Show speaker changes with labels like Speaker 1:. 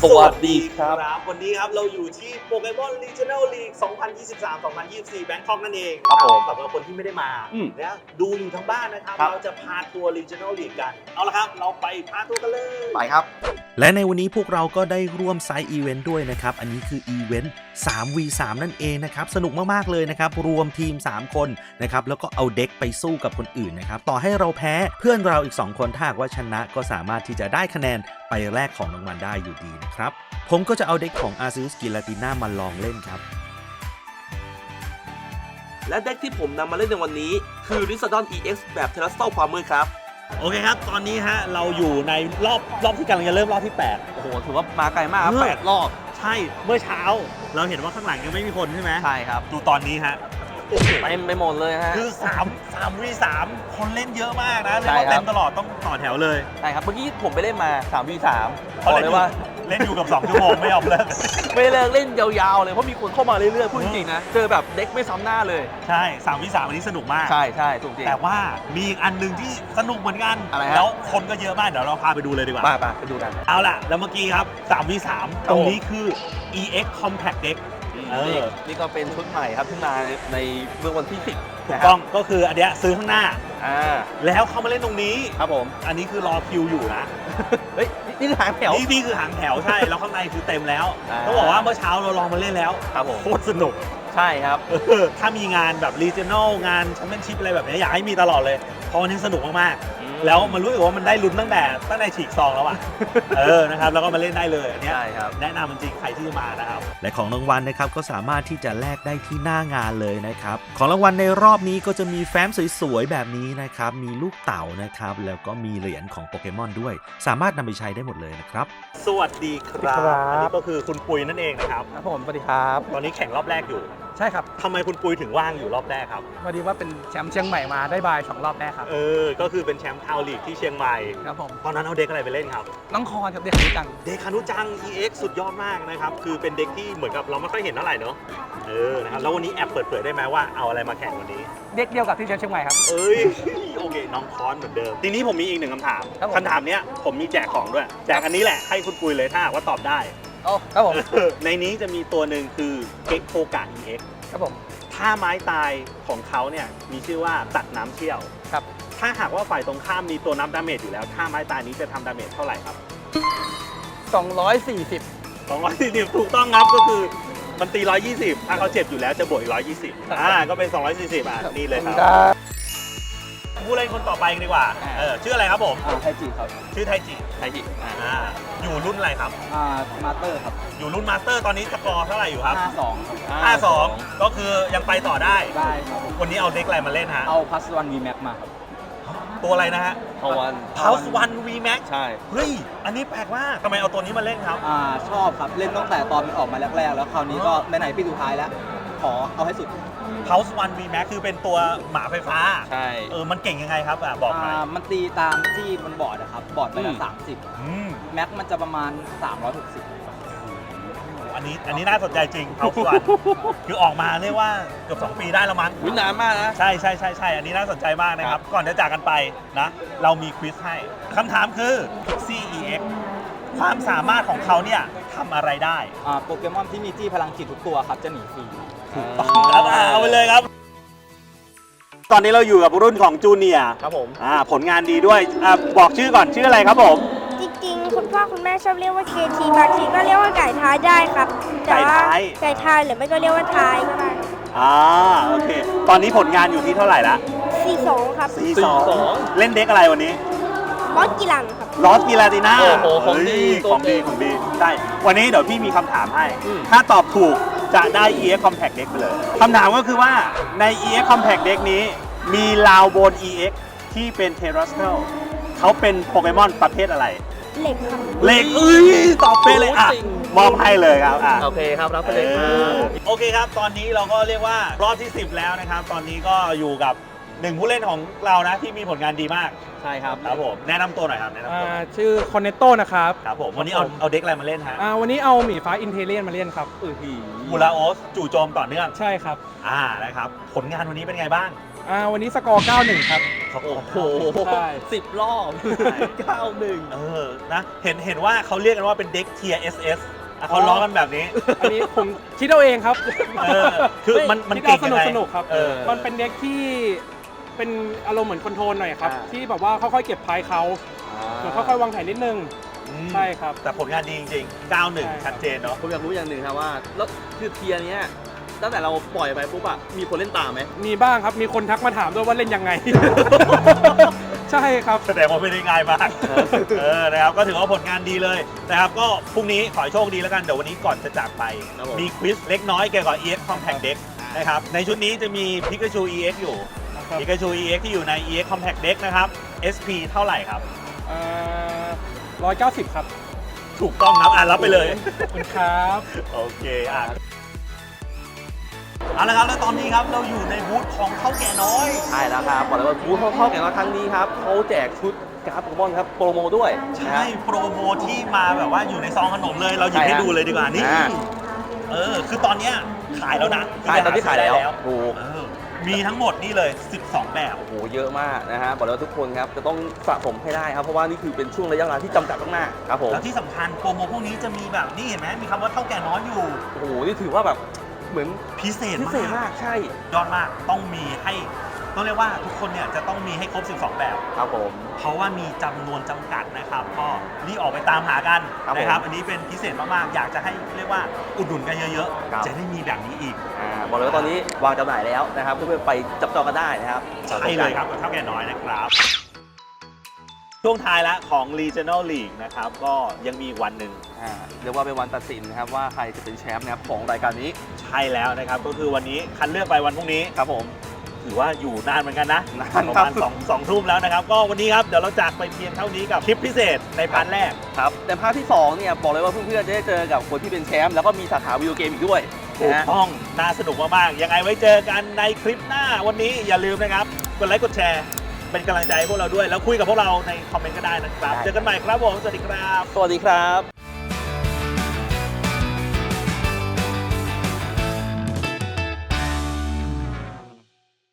Speaker 1: สวัสดีครับ
Speaker 2: วันนี้ครับเราอยู่ที่โปเกมอน Regional League 2023-2024 แบงคอกนั่นเอง
Speaker 1: ครับผม
Speaker 2: สำหรับคนที่ไม่ได้มานะดูอยู่ทั้งบ้านนะครับ
Speaker 1: ครับ
Speaker 2: เราจะพาทัวร์ Regional League กัน เอาละครับ เราไปพาทัวร์กันเลย
Speaker 1: ไปครับ
Speaker 3: และในวันนี้พวกเราก็ได้ร่วมไซต์อีเวนต์ด้วยนะครับ อันนี้คืออีเวนต์ 3v3 นั่นเองนะครับ สนุกมากๆเลยนะครับ รวมทีม 3 คนนะครับ แล้วก็เอาเด็กไปสู้กับคนอื่นนะครับ ต่อให้เราแพ้เพื่อนเราอีก 2 คนถ้าหากว่าชนะก็สามารถที่จะได้คะแนนไปแลกของรางวัลได้อยู่ดีนะครับ ผมก็จะเอาเด็กของ Arceus Giratina มาลองเล่นครับ
Speaker 1: และเด็กที่ผมนำมาเล่นในวันนี้คือ Risodon EX แบบเทเลสโตความมืดครับ
Speaker 2: โอเคครับ ตอนนี้ฮะเราอยู่ในรอบที่กำลังจะเริ่มรอบที่
Speaker 1: โอ้โห ถือว่ามาไกลมากครับ 8 รอบ
Speaker 2: 8 ใช่ เมื่อเช้าเราเห็นว่าข้างหลังยังไม่มีคนใช่ไหม
Speaker 1: ใช่ครับ
Speaker 2: ดูตอนนี้ฮะ
Speaker 1: เต็มไปหมดเลยฮะ
Speaker 2: คือ3v3 คนเล่นเยอะมากนะเรีย
Speaker 1: ใช่
Speaker 2: กว่า
Speaker 1: ครับ
Speaker 2: เต็มตลอดต้องต่อแถวเลย
Speaker 1: ใช่ครับ เมื่อกี้ผมไปเล่นมา 3v3
Speaker 2: เขา
Speaker 1: บอก
Speaker 2: เล่น
Speaker 1: เล
Speaker 2: อย ยู่
Speaker 1: ว่า
Speaker 2: เล่นอยู่กับ 2 ชั่วโมงไม่ยอมเลิก
Speaker 1: ไม่เลิกเล่นยาวๆเลย เพราะมีคนเข้ามาเรื่อยๆ พูดจริงๆนะ เจอแบบเด็กไม่ซ้ำหน้าเลย
Speaker 2: ใช่3v3 อันนี้สนุกมาก
Speaker 1: ใช่ใช่ถูกจริง
Speaker 2: แต่ว่ามีอีกอันหนึ่งที่สนุกเหมือนกัน
Speaker 1: อะไรฮะ
Speaker 2: แล้วคนก็เยอะมาก เดี๋ยวเราพาไปดูเลยดีกว่า
Speaker 1: ไปดูกัน
Speaker 2: เอาล่ะ แล้วเมื่อกี้ครับ 3v3 ตรงนี้คือ EX Compact Deck เออ
Speaker 1: นี่ก็เป็นชุดใหม่ครับที่มาในเมื่อวันที่ 10
Speaker 2: ถูกต้องก็คืออันเนี้ยซื้อข้างหน้า
Speaker 1: อ่า
Speaker 2: แล้วเข้ามาเล่นตรงนี้
Speaker 1: ครับผม
Speaker 2: อันนี้คือรอคิวอยู่นะ
Speaker 1: เฮ้ย นี่คือหางแถว
Speaker 2: นี่คือหางแถวใช่ แล้วข้างในคือเต็มแล้ว
Speaker 1: อ่า
Speaker 2: ต้องบอกว่าเมื่อเช้าเราลองมาเล่นแล้ว
Speaker 1: ครับผม
Speaker 2: โคตรสนุก
Speaker 1: ใช่ครับ
Speaker 2: ถ้ามีงานแบบ regional งาน championship อะไรแบบนี้อยากให้มีตลอดเลย เพราะวันนี้สนุกมากๆ แล้วมันรู้สึกว่ามันได้ลุ้นตั้งแต่ฉีกซองแล้วอ่ะ นะครับ แล้วก็มาเล่นได้เลยอันเนี้ย
Speaker 1: ใช่ครับ
Speaker 2: แนะนำจริงๆใครที่จะมานะครับ
Speaker 3: และของรางวัลนะครับก็สามารถที่จะแลกได้ที่หน้างานเลยนะครับของรางวัลในรอบนี้ก็จะมีแฟ้มสวยๆแบบนี้นะครับมีลูกเต่านะครับแล้วก็มีเหรียญของโปเกมอนด้วย สามารถนำไปใช้ได้หมดเลยนะครับ
Speaker 2: สวัสดีครับ
Speaker 4: สวัสดีครับ
Speaker 2: อันนี้ก็คือคุณปุยนั่นเองนะครับ
Speaker 4: ครับผมสวัสดีครับ
Speaker 2: ตอนนี้แข่งรอบแรกอยู่
Speaker 4: ใช่ครับ
Speaker 2: ทำไมคุณปุยถึงว่างอยู่รอบแรกครับ
Speaker 4: พอดีว่าเป็นแชมป์เชียงใหม่มาได้บาย2 รอบแรกครับ
Speaker 2: ก็คือเป็นแชมป์ทาวน์ลีกที่เชียงใหม่
Speaker 4: ครับผม
Speaker 2: ตอนนั้นเอาเด็กอะไรไปเล่นครับ
Speaker 4: น้องคอนครับเด็กรู้จัง
Speaker 2: เด็กคานุจัง EX สุดยอดมากนะครับ คือเป็นเด็กที่เหมือนกับเราไม่ค่อยเห็นเท่าไหร่เนอะนะครับ แล้ววันนี้แอบเปิดเผยได้ไหมว่าเอาอะไรมาแข่งวันนี้
Speaker 4: เด็กเดียวกับที่แชมป์เชียงใหม่ครับ
Speaker 2: โอเค น้องคอนเหมือนเดิม ทีนี้ผมมีอีกหนึ่งคำถาม
Speaker 4: ครับผม
Speaker 2: คำถามเนี้ยผมมีแจกของด้วย แจกอันนี้แหละให้คุณปุยเลยถ้าหากว่าตอบได้
Speaker 4: โอ้ครับผม
Speaker 2: ในนี้จะมีตัวหนึ่งคือเก็กโคกะ EX
Speaker 4: ครับผม
Speaker 2: ท่าไม้ตายของเขาเนี่ยมีชื่อว่าตัดน้ำเชี่ยว
Speaker 4: ครับ
Speaker 2: ถ้าหากว่าฝ่ายตรงข้ามมีตัวนับดาเมจอยู่แล้วท่าไม้ตายนี้จะทำดาเมจเท่าไหร่ครับ
Speaker 4: 240
Speaker 2: 240 ถูกต้องครับก็คือมันตี 120 ถ้าเขาเจ็บอยู่แล้วจะบวกอีก 120 ก็เป็น 240นี่เลยครับผู้เล่นคนต่อไปกันดีกว่าชื่ออะไรครับผม
Speaker 5: ไทจิครับ
Speaker 2: ชื่อไทจิ
Speaker 1: ไทจิ
Speaker 2: อยู่รุ่นอะไรครับ
Speaker 5: มาสเตอร์ครับ
Speaker 2: อยู่รุ่นมาสเตอร์ตอนนี้สกอร์เท่าไหร่อยู่ครับ
Speaker 5: 52ครับ
Speaker 2: 52 ก็คือยังไปต่อได้
Speaker 5: ได้ครับ
Speaker 2: วันนี้เอาเด็กอะไรมาเล่นฮะ
Speaker 5: เอาพัสวันวีแม็กมาครับ
Speaker 2: ตัวอะไรนะฮะ
Speaker 1: พวัน
Speaker 2: House One V Max
Speaker 1: ใช่
Speaker 2: เฮ้ย อันนี้แปลกมากทำไมเอาตัวนี้มาเล่นครับ
Speaker 5: ชอบครับ เล่นตั้งแต่ตอนมันออกมาแรกๆ แล้วคราวนี้ก็ไหนๆปีสุดท้ายแล้ว ขอเอาให้สุด
Speaker 2: House One V Max คือเป็นตัวหมาไฟฟ้า
Speaker 1: ใช่
Speaker 2: มันเก่งยังไงครับบอกหน่อย
Speaker 5: มันตีตามที่มันบอร์ดนะครับ บอร์ดไปละ
Speaker 2: อืม
Speaker 5: 30 แม็กมันจะประมาณ 360
Speaker 2: อันนี้น่าสนใจจริง House One คือออกมาเรียกว่าเกือบ2 ปีได้แล้วมั้ง
Speaker 1: วินานมากนะ
Speaker 2: ใช่อันนี้น่าสนใจมากนะครับ ก่อนจะจากกันไปนะ เรามีควิสให้คำถามคือ Pixie EX ความสามารถของเขาเนี่ยทำอะไรได้
Speaker 5: โปเกมอนที่มีจี้พลังจิตทุกตัวครับ จะหนีฟรี
Speaker 2: ครับเอาไปเลยครับ ตอนนี้เราอยู่กับรุ่นของจูเนียร์
Speaker 1: ครับผม
Speaker 2: ผลงานดีด้วยบอกชื่อก่อนชื่ออะไรครับผม
Speaker 6: จริงๆ คุณพ่อคุณแม่ชอบเรียกว่าเคทีบางทีก็เรียกว่าไก่ท้ายได้ครับ แต่ว่า
Speaker 2: ไก่ท้าย
Speaker 6: ไก่ท้ายหรือไม่ก็เรียกว่าท้ายก็ได้
Speaker 2: โอเค ตอนนี้ผลงานอยู่ที่เท่าไหร่ละ
Speaker 6: 42 ครับ
Speaker 2: 42 เล่นเด็กอะไรวันนี้
Speaker 6: มอสกิลันครับ
Speaker 2: ลอสกีลาติน่า
Speaker 1: โอ้โหของดี
Speaker 2: ของดี
Speaker 1: ตัวจริง
Speaker 2: ใช่ วันนี้เดี๋ยวพี่มีคำถามให้
Speaker 1: อืม
Speaker 2: ถ้าตอบถูกจะได้ EX Compact Deck ไปเลย คำถามก็คือว่าใน EX Compact Deck นี้มีลาวโบน EX ที่เป็น Terrestrial เขาเป็นโปเกมอนประเภทอะไร
Speaker 6: เหล็กครับ
Speaker 2: เหล็กตอบเป็นเลยมอบให้เลยครับ
Speaker 1: โอเคครับ รับไปเลยครับ
Speaker 2: โอเคครับ ตอนนี้เราก็เรียกว่ารอบที่ 10 แล้วนะครับ ตอนนี้ก็อยู่กับหนึ่งผู้เล่นของเรานะที่มีผลงานดีมาก
Speaker 5: ใช่ครับ
Speaker 2: ครับผมแนะนำตัวหน่อยครับแนะนำตัว
Speaker 4: ชื่อคอนเนตโตนะครับ
Speaker 2: ครับผมวันนี้เอาเด็กอะไรมาเล่นฮะ
Speaker 4: วันนี้เอาหมีฟ้าอินเทเลียนมาเล่นครับ
Speaker 2: มูราโอสจู่โจมต่อเนื่อง
Speaker 4: ใช่ครับ
Speaker 2: นะครับผลงานวันนี้เป็นไงบ้าง
Speaker 4: วันนี้สกอร์ 9-1 ครับ
Speaker 1: โอ้โห
Speaker 4: ใช่
Speaker 1: 10 รอบ 9-1
Speaker 2: นะเห็นว่าเขาเรียกกันว่าเป็นเด็กเทียร์ SS อ่ะเขาล้อกันแบบนี้
Speaker 4: อันนี้ผมคิดเอาเองครับ
Speaker 2: คือมัน
Speaker 4: คิด
Speaker 2: เก่ง
Speaker 4: เอา
Speaker 2: ยังไง
Speaker 4: สนุกๆครับ มันเป็นเด็กที่เป็นอารมณ์เหมือนคอนโทรลหน่อยครับ ที่แบบว่าค่อยๆเก็บพายเขาเหมือนค่อยๆวางแผนนิดนึง ใช่ครับ
Speaker 2: แต่ผลงานดีจริงๆ
Speaker 4: ใช่
Speaker 2: 9-1 ชัดเจนเนาะ
Speaker 1: ผมอยากรู้อย่างหนึ่งครับว่าแล้วคือเทียร์เนี้ยตั้งแต่เราปล่อยไปปุ๊บอะมีคนเล่นตามไหม
Speaker 4: มีบ้างครับ มีคนทักมาถามด้วยว่าเล่นยังไง ใช่ครับ
Speaker 2: แสดงว่าไม่ได้ง่ายมากนะครับก็ถือว่าผลงานดีเลยนะครับก็พรุ่งนี้ขอให้โชคดีแล้วกันเดี๋ยววันนี้ก่อนจะจากไป
Speaker 1: ครับผม
Speaker 2: มีควิซเล็กน้อยเกี่ยวกับ EX Compact Deck นะครับในชุดนี้จะมี Pikachu EX อยู่
Speaker 4: ครับ
Speaker 2: Pikachu EX ที่อยู่ใน EX Compact Deck นะครับ SP เท่าไหร่ครับ
Speaker 4: 190 ครับ
Speaker 2: ถูกต้องครับรับไปเลย
Speaker 4: ขอบคุณครับ
Speaker 2: โอเคเอาละครับแล้วตอนนี้ครับเราอยู่ในบูธของเท่าแก่น้อย
Speaker 1: ใช่แล้วครับบอกเลยว่าบูธเข้าแข่งขันครั้งนี้ครับเขาแจกชุดการ์ดโปเกมอนครับโปรโมด้วย
Speaker 2: ใช่โปรโมที่มาแบบว่าอยู่ในซองขนมเลยเราหยิบให้ดูเลยดีกว่านี่
Speaker 1: อ่า
Speaker 2: คือตอนเนี้ยขายแล้วนะ
Speaker 1: ใช่ตอนที่ขายแล้วถูก
Speaker 2: มีทั้งหมดนี่เลย 12 แบบ
Speaker 1: โอ้โหเยอะมากนะฮะบอกเลยว่าทุกคนครับจะต้องสะสมให้ได้ครับเพราะว่านี่คือเป็นช่วงระยะเวลาที่จำกัดมากๆครับผม
Speaker 2: แล้วที่สำคัญโปรโมพวกนี้จะมีแบบนี่เห็นไหมมีคำว่าเท่าแก่น้อยอยู่
Speaker 1: โอ้โหนี่ถือว่าแบบเหมือน
Speaker 2: พิเศษ
Speaker 1: พิเศษมากใช่
Speaker 2: ยอดมากต้องมีให้ต้องเรียกว่าทุกคนเนี่ยจะต้องมีให้ครบ 12 แบบ
Speaker 1: ครับผม
Speaker 2: เพราะว่ามีจำนวนจำกัดนะครับก็รีบออกไปตามหากัน
Speaker 1: ครับผม
Speaker 2: นะครับอันนี้เป็นพิเศษมากๆอยากจะให้เรียกว่าอุดหนุนกันเยอะ
Speaker 1: ครับ
Speaker 2: ๆจะได้มีแบบนี้อีก
Speaker 1: บอกเลยว่าตอนนี้วางจำหน่ายแล้วนะครับเพื่อนๆไปจับจองกันได้นะครับ
Speaker 2: ใช่เลยครับกับเท่าแก่น้อยนะครับ ช่วงท้ายแล้วของ Regional League นะครับก็ยังมีอีกวันหนึ่ง
Speaker 1: เรียกว่าเป็นวันตัดสินนะครับว่าใครจะเป็นแชมป์นะครับของรายการนี้
Speaker 2: ใช่แล้วนะครับก็คือวันนี้คัดเลือกไปวันพรุ่งนี้
Speaker 1: ครับผม
Speaker 2: ถือว่าอยู่นานเหมือนกันนะ
Speaker 1: นาน
Speaker 2: ประ
Speaker 1: ครับ
Speaker 2: มาณ2 ทุ่มแล้วนะครับ ก็วันนี้ครับเดี๋ยวเราจากไปเพียงเท่านี้กับคลิปพิเศษในพาร์ทแรก
Speaker 1: ครับแต่ภาคที่2เนี่ยบอกเลยว่าเพื่อนๆจะได้เจอกับคนที่เป็นแชมป์แล้วก็มีสาขาวิดีโอเกมอีกด้วย
Speaker 2: ถูก
Speaker 1: นะฮะ
Speaker 2: ต้องน่าสนุกมากๆยังไงไว้เจอกันในคลิปหน้าวันนี้อย่าลืมนะครับกดไลค์กดแชร์เป็นกำลังใจให้พวกเราด้วย แล้วคุยกับพวกเราในคอมเมนต์ก็ได้นะครับ เจอกันใหม่ครับผมสวัสดีครับ
Speaker 1: สวัสดีครับ